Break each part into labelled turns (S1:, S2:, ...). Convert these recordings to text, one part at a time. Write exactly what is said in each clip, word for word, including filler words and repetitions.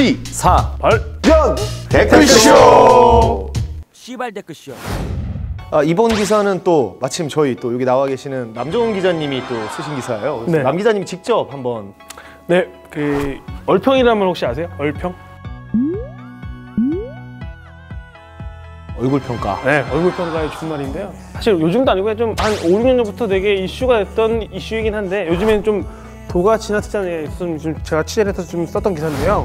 S1: 시,
S2: 사,
S1: 발, 연! 댓글쇼!
S3: 시발 댓글쇼.
S1: 아, 이번 기사는 또 마침 저희 또 여기 나와 계시는 남정훈 기자님이 또 쓰신 기사예요. 네. 남 기자님이 직접 한번.
S4: 네, 그 얼평이라는 말 혹시 아세요? 얼평?
S1: 얼굴 평가.
S4: 네, 얼굴 평가의 준말인데요. 사실 요즘도 아니고 좀 한 오, 육 년 전부터 되게 이슈가 됐던 이슈이긴 한데 요즘에는 좀 도가 지나치지 않아요. 좀 제가 취재를 해서 좀 썼던 기사인데요.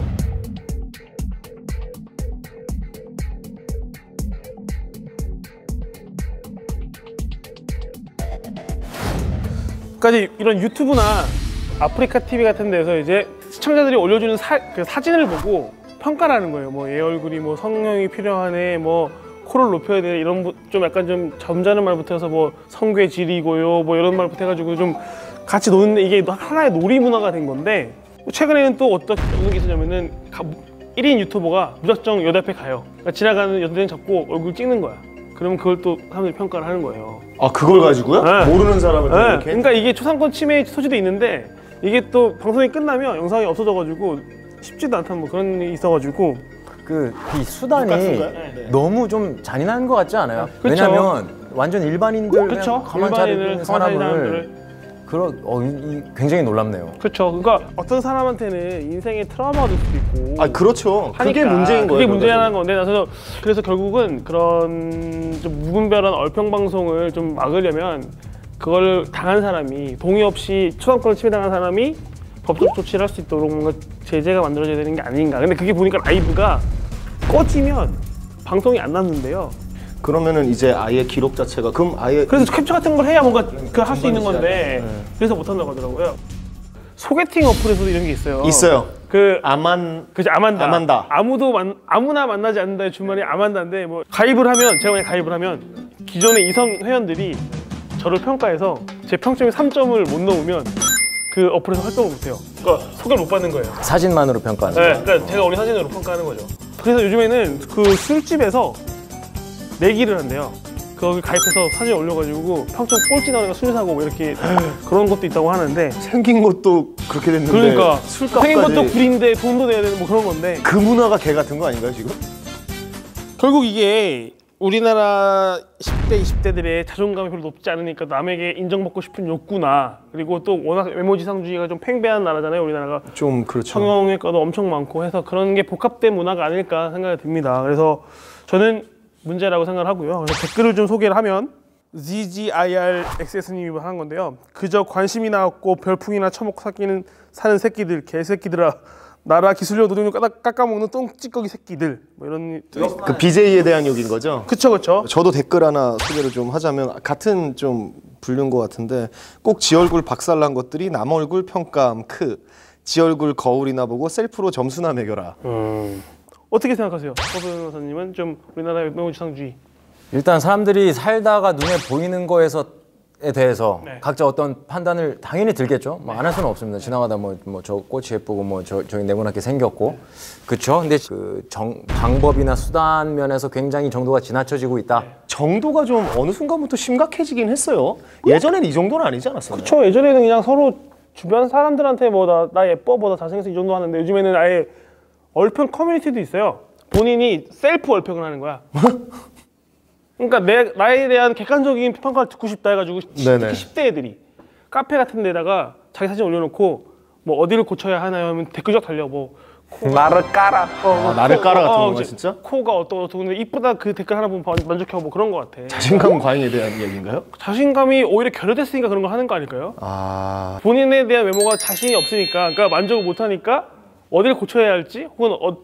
S4: 까지 이런 유튜브나 아프리카 티비 같은 데서 이제 시청자들이 올려주는 사, 그 사진을 보고 평가를 하는 거예요. 뭐 얘 얼굴이 뭐 성형이 필요하네, 뭐 코를 높여야 돼, 이런 좀 약간 좀 점잖은 말부터 해서 뭐 성괴질이고요, 뭐 이런 말부터 해가지고 좀 같이 노는데 이게 하나의 놀이 문화가 된 건데 최근에는 또 어떤 어떤 게 있었냐면은 일 인 유튜버가 무작정 여대 앞에 가요. 그러니까 지나가는 여대생 잡고 얼굴 찍는 거야. 그러면 그걸 또 사람들이 평가를 하는 거예요.
S1: 아, 그걸 가지고요?
S4: 네.
S1: 모르는 사람을
S4: 네.
S1: 이렇게?
S4: 그러니까 이게 초상권 침해 소지도 있는데 이게 또 방송이 끝나면 영상이 없어져가지고 쉽지도 않다는 뭐 그런 일이 있어가지고
S2: 그 이 수단이
S4: 네.
S2: 너무 좀 잔인한 것 같지 않아요?
S4: 그쵸.
S2: 왜냐면 완전 일반인들
S4: 그쵸.
S2: 가만 잘 있는 사람을
S4: 사람들을
S2: 그런 어, 이, 굉장히 놀랍네요.
S4: 그렇죠. 그러니까 어떤 사람한테는 인생의 트라우마가 될 수도 있고.
S1: 아, 그렇죠.
S4: 하니까.
S1: 그게 문제인 거예요.
S4: 그게 문제라는 건데, 그래서 그래서 결국은 그런 좀 무분별한 얼평 방송을 좀 막으려면 그걸 당한 사람이 동의 없이 초상권을 침해당한 사람이 법적 조치를 할 수 있도록 뭔가 제재가 만들어져야 되는 게 아닌가. 근데 그게 보니까 라이브가 꺼지면 방송이 안 났는데요.
S1: 그러면은 이제 아예 기록 자체가 그럼 아예
S4: 그래서 캡처 같은 걸 해야 뭔가 그 할 수 있는 건데 네. 그래서 못 한다고 하더라고요. 소개팅 어플에서도 이런 게 있어요.
S1: 있어요.
S4: 그
S1: 아만
S4: 그죠, 아만다.
S1: 아만다.
S4: 아무도 만, 아무나 만나지 않는다의 주말이 아만다인데 뭐 가입을 하면 제가 만약 가입을 하면 기존의 이성 회원들이 저를 평가해서 제 평점이 삼 점을 못 넣으면 그 어플에서 활동을 못 해요. 그러니까 소개를 못 받는 거예요.
S2: 사진만으로 평가하는
S4: 네,
S2: 거예요?
S4: 그러니까 제가 우리 사진으로 평가하는 거죠. 그래서 요즘에는 그 술집에서 내기를 한대요. 거기 가입해서 사진 올려가지고 평점 꼴찌 나오니까 술 사고 뭐 이렇게 그런 것도 있다고 하는데
S1: 생긴 것도 그렇게 됐는데
S4: 그러니까
S1: 술값까지
S4: 생긴 것도 구린데 돈도 내야 되는 뭐 그런 건데
S1: 그 문화가 개 같은 거 아닌가요 지금?
S4: 결국 이게 우리나라 십 대, 이십 대들의 자존감이 별로 높지 않으니까 남에게 인정받고 싶은 욕구나 그리고 또 워낙 외모지상주의가 좀 팽배한 나라잖아요 우리나라가.
S1: 좀 그렇죠.
S4: 성형외과도 엄청 많고 해서 그런 게 복합된 문화가 아닐까 생각이 듭니다. 그래서 저는 문제라고 생각을 하고요. 그래서 댓글을 좀 소개를 하면 지지아이알엑스에스님이 하는 건데요. 그저 관심이나 없고 별풍이나 처먹고 사기는 사는 새끼들, 개새끼들아. 나라 기술력 노동력 깎아먹는 똥찌꺼기 새끼들. 뭐 이런.
S1: 그 비제이에 대한 욕인 거죠?
S4: 그쵸, 그쵸.
S1: 저도 댓글 하나 소개를 좀 하자면 같은 좀 분류인 것 같은데 꼭 지 얼굴 박살난 것들이 남 얼굴 평가함 크. 지 얼굴 거울이나 보고 셀프로 점수나 매겨라.
S4: 음. 어떻게 생각하세요? 서 변호사님은 좀 우리나라의 외모지상주의.
S2: 일단 사람들이 살다가 눈에 보이는 거에서에 대해서
S4: 네.
S2: 각자 어떤 판단을 당연히 들겠죠. 뭐 안 할 수는 없습니다. 지나가다 뭐 뭐 저 꽃이 예쁘고 뭐 저 저기 네모나게 생겼고, 그렇죠. 근데 그 정 방법이나 수단 면에서 굉장히 정도가 지나쳐지고 있다.
S4: 네.
S1: 정도가 좀 어느 순간부터 심각해지긴 했어요. 예전에는 이 정도는 아니지 않았었나요?
S4: 그쵸. 예전에는 그냥 서로 주변 사람들한테 뭐 나 나 예뻐, 뭐 나 잘생겼어 이 정도 하는데 요즘에는 아예 얼평 커뮤니티도 있어요. 본인이 셀프 얼평을 하는 거야. 그러니까 내, 나에 대한 객관적인 평가를 듣고 싶다 해가지고 특히 십 대 애들이 카페 같은 데다가 자기 사진 올려놓고 뭐 어디를 고쳐야 하나요 하면 댓글 쫙 달려. 뭐
S2: 나를 깔아.
S1: 어, 아, 나를 깔아 같은
S4: 어,
S1: 건가 진짜?
S4: 코가 어떠고 어떠고 근데 이쁘다 그 댓글 하나 보면 만족해하고 뭐 그런 거 같아.
S1: 자신감 과잉에 대한 이야기인가요?
S4: 자신감이 오히려 결여됐으니까 그런 걸 하는 거 아닐까요?
S1: 아...
S4: 본인에 대한 외모가 자신이 없으니까 그러니까 만족을 못하니까 어디를 고쳐야 할지 혹은 어,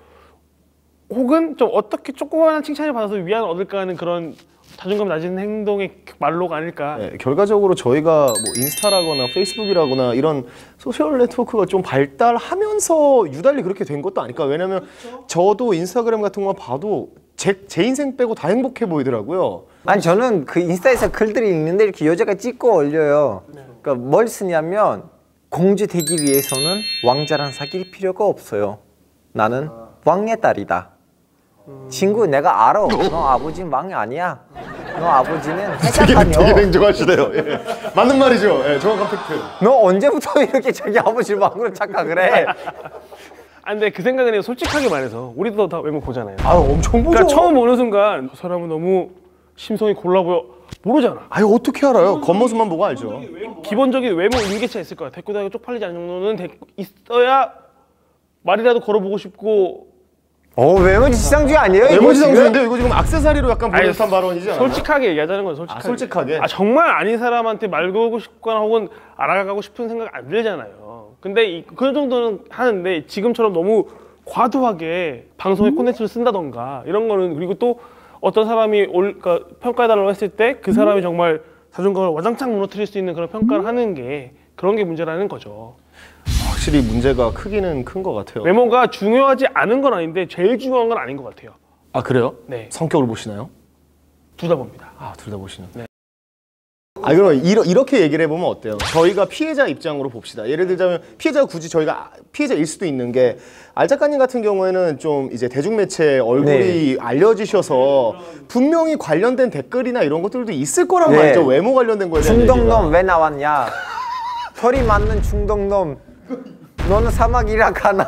S4: 혹은 좀 어떻게 조그마한 칭찬을 받아서 위안을 얻을까 하는 그런 자존감 낮은 행동의 말로가 아닐까.
S1: 네, 결과적으로 저희가 뭐 인스타라거나 페이스북이라거나 이런 소셜 네트워크가 좀 발달하면서 유달리 그렇게 된 것도 아닐까. 왜냐면 그렇죠? 저도 인스타그램 같은 거 봐도 제, 제 인생 빼고 다 행복해 보이더라고요.
S5: 아니 저는 그 인스타에서 글들이 있는데 이렇게 여자가 찍고 올려요. 그러니까 뭘 쓰냐면 공주 되기 위해서는 왕자랑 사귈 필요가 없어요. 나는 왕의 딸이다. 음... 친구 내가 알아. 너 아버지는 왕이 아니야. 너 아버지는 해자다녀.
S1: 되게, 되게 냉정하시네요. 예. 맞는 말이죠. 예, 정확한 팩트.
S5: 너 언제부터 이렇게 자기 아버지를 왕으로 착각을 해?
S4: 아 근데 그 생각은 해요. 솔직하게 말해서 우리도 다 외모 보잖아요.
S1: 아 엄청 보죠.
S4: 그러니까 처음 보는 순간 저 사람은 너무 심성이 골라 보여 모르잖아.
S1: 아유 어떻게 알아요? 겉모습만 보고 알죠.
S4: 기본적인 외모 일기차 있을 거야. 대꾸다가 쪽팔리지 않는 정도는 대- 있어야 말이라도 걸어보고 싶고.
S5: 어 외모지 지상주의 아니에요? 이거
S1: 외모지
S5: 지금?
S1: 상주인데 이거 지금 액세서리로 약간
S4: 아니,
S1: 보내듯한 발언이지 않아요?
S4: 솔직하게 얘기하자는 건 솔직하게.
S1: 아, 솔직하게?
S4: 아 정말 아닌 사람한테 말 걸고 싶거나 혹은 알아가고 싶은 생각 안 들잖아요. 근데 이, 그 정도는 하는데 지금처럼 너무 과도하게 방송에 콘텐츠를 쓴다던가 이런 거는 그리고 또 어떤 사람이 올, 그러니까 평가해달라고 했을 때 그 사람이 정말 자존감을 와장창 무너뜨릴 수 있는 그런 평가를 하는 게 그런 게 문제라는 거죠.
S1: 확실히 문제가 크기는 큰 것 같아요.
S4: 외모가 중요하지 않은 건 아닌데 제일 중요한 건 아닌 것 같아요.
S1: 아 그래요?
S4: 네.
S1: 성격을 보시나요?
S4: 둘 다 봅니다.
S1: 아 둘 다 보시는.
S4: 네.
S1: 아 그럼 이러, 이렇게 얘기를 해보면 어때요? 저희가 피해자 입장으로 봅시다. 예를 들자면 피해자가 굳이 저희가 피해자일 수도 있는 게 알 작가님 같은 경우에는 좀 이제 대중매체 얼굴이 알려지셔서 분명히 관련된 댓글이나 이런 것들도 있을 거란
S5: 네.
S1: 말이죠. 외모 관련된 거에 대한 얘기가.
S5: 중동놈 왜 나왔냐? 털이 많는 중동놈. 너는 사막이라 가나?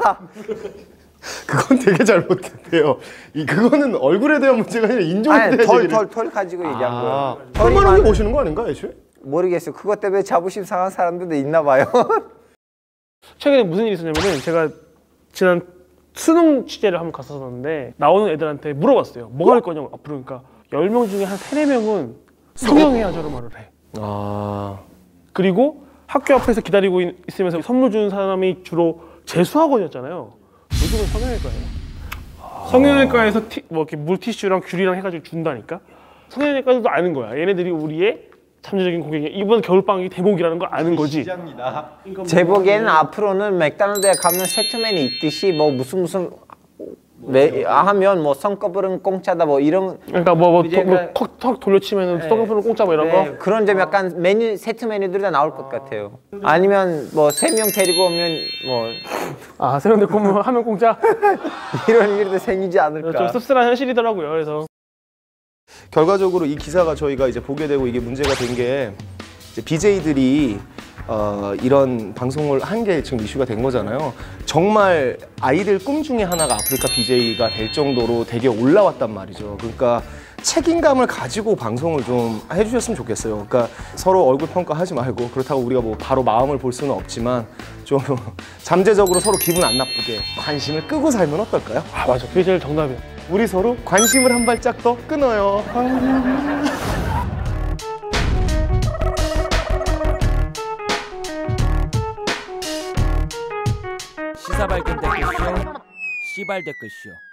S1: 그건 되게 잘못됐대요. 이 그거는 얼굴에 대한 문제가 아니라 인종에
S5: 아니
S1: 대한
S5: 털
S1: 얘기를.
S5: 털 털 가지고 얘기한
S1: 아,
S5: 거예요.
S1: 털 많은 게 보시는 거 아닌가 애초에?
S5: 모르겠어요. 그것 때문에 자부심 상한 사람들도 있나 봐요.
S4: 최근에 무슨 일이 있었냐면은 제가 지난 수능 취재를 한번 갔었는데 나오는 애들한테 물어봤어요. 뭐 할 거냐고 앞으로. 그러니까 열 명 중에 한 세네 명은 성형해야죠를 말을 해.
S1: 아
S4: 그리고 학교 앞에서 기다리고 있- 있으면서 선물 주는 사람이 주로 재수학원이었잖아요. 요즘은 성형외과예요. 성형외과에서 티, 뭐 이렇게 물티슈랑 귤이랑 해가지고 준다니까. 성형외과도 아는 거야. 얘네들이 우리의 잠재적인 고객이 이번 겨울방학이 대목이라는 걸 아는 거지.
S5: 제 보기에는 앞으로는 맥도날드에 가면 세트맨이 있듯이 뭐 무슨 무슨 매, 하면 뭐 성꺼풀은 공짜다 뭐 이런
S4: 그러니까 뭐뭐
S5: 이제
S4: 뭐, 턱, 턱 돌려치면은
S5: 네.
S4: 떡은 공짜 뭐 이런
S5: 네,
S4: 거.
S5: 그런 점 약간 메뉴 세트 메뉴들이 다 나올 것 같아요. 아니면 뭐 세 명 데리고 오면 뭐
S4: 아 세련돼 보면 하면 공짜.
S5: 이런 일도 생기지
S4: 좀
S5: 않을까.
S4: 씁쓸한 현실이더라고요. 그래서
S1: 결과적으로 이 기사가 저희가 이제 보게 되고 이게 문제가 된 게 비제이들이 어, 이런 방송을 한 게 지금 이슈가 된 거잖아요. 정말 아이들 꿈 중에 하나가 아프리카 비제이가 될 정도로 되게 올라왔단 말이죠. 그러니까 책임감을 가지고 방송을 좀 해주셨으면 좋겠어요. 그러니까 서로 얼굴 평가하지 말고 그렇다고 우리가 뭐 바로 마음을 볼 수는 없지만 좀 잠재적으로 서로 기분 안 나쁘게 관심을 끄고 살면 어떨까요?
S4: 아 맞아. 그게 제일 정답이야.
S1: 우리 서로 관심을 한 발짝 더 끊어요.
S3: 시사발견 댓글쇼, 씨발 댓글쇼.